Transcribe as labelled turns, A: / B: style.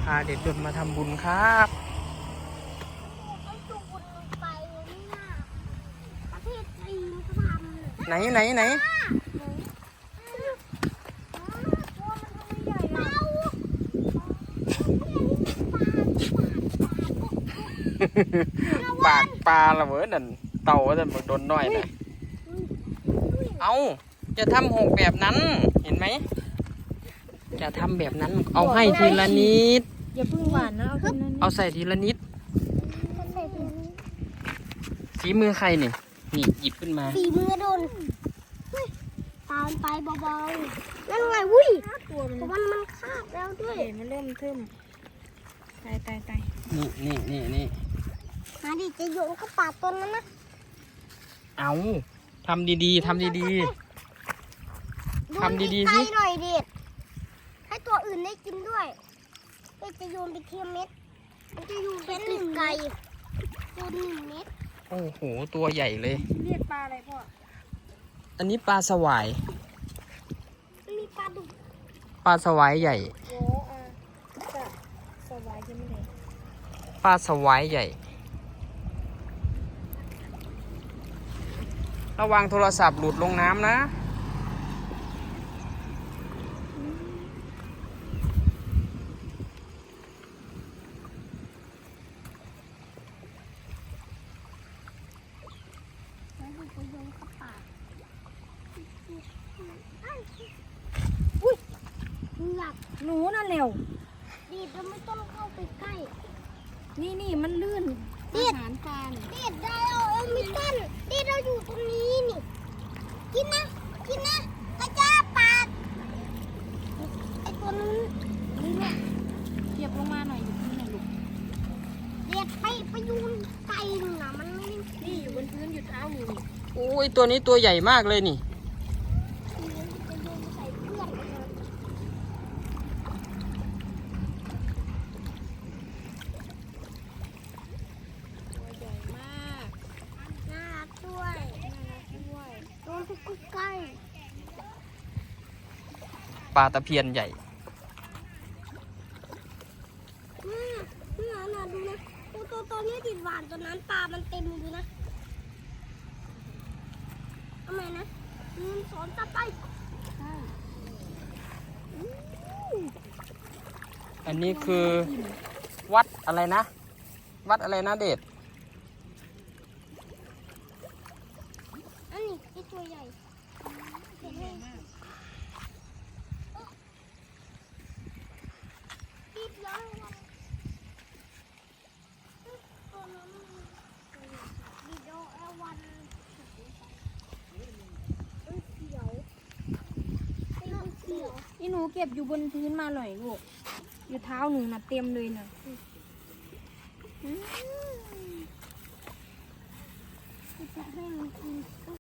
A: พาเด็กๆมาทำบุญครับไหนปากปลาละเว้ยนั่นเต่าแต่มันโดนน้อยนะเอาจะทำหกแบบนั้นเห็นไหมจะทำแบบนั้นเอาให้ทีละนิด
B: อย่าพึ่งหวานนะ
A: เอาใส่ทีละนิดฝีมือใครนี่หยิบขึ้นมา
C: ฝีมือโดนตามไปเบาๆนั่นไงวุ้ยตัวมันคาบแล้วด้วย
B: มันเริ่มทึมตาย
A: นี่
C: มาดิจะโยนเข้าปากตัวนั้นนะ
A: เอาทำดีๆทำดีๆสิ
C: หน่อยดิให้ตัวอื่นได้กินด้วยจะโยนไปเทียมเม็ดมันจะอยู่เป็น1 ไก่โยน1 เม็ด
A: โอ้โหตัวใหญ่เลย
B: เรียกปลาอะไรพ่อ
A: อันนี้ปลาสวาย
C: มีปลาดุก
A: ปลาสวายใหญ่
B: โอ้จะสวายยังไม่ได้
A: ปลาสวายใหญ่ระวังโทรศัพท์หลุดลงน้ำนะ
B: หนูน่ะเร็ว
C: ดีดเราไม่ต้องเข้าไปใกล้
B: นี่มันลื่น
C: ดีดปลาดีดได้ไม่ต้นดีดเราอยู่ตรงนี้นี่กินนะกระจ้าปาดไอตัวนู้นนี่แหละ
B: เหยียบลงมาหน่อยอยู่ที่ไหนลูก
C: เดีดไปยูนไก่หนึ่งนะมันไม่
B: นี่อยู่บนพื้นอยู่เท้าหนู
A: โอ้ยตัวนี้ตัวใหญ่มากเลยนี่
C: ใกล้
A: ปลาตะเพียนใหญ่
C: น่าดูนะตัวนี้ติดหวานตัวนั้นปลามันเต็มดูนะทำไมนะ1 2 3ไป
A: อันนี้คือวัดอะไรนะเดช
C: อันนี้ไอตัวใหญ่
B: นี่หนูเก็บอยู่บนพื้นมาหน่อยลูกอยู่เท้าหนูนะเต็มเลยนะ
C: จะให้มันกิน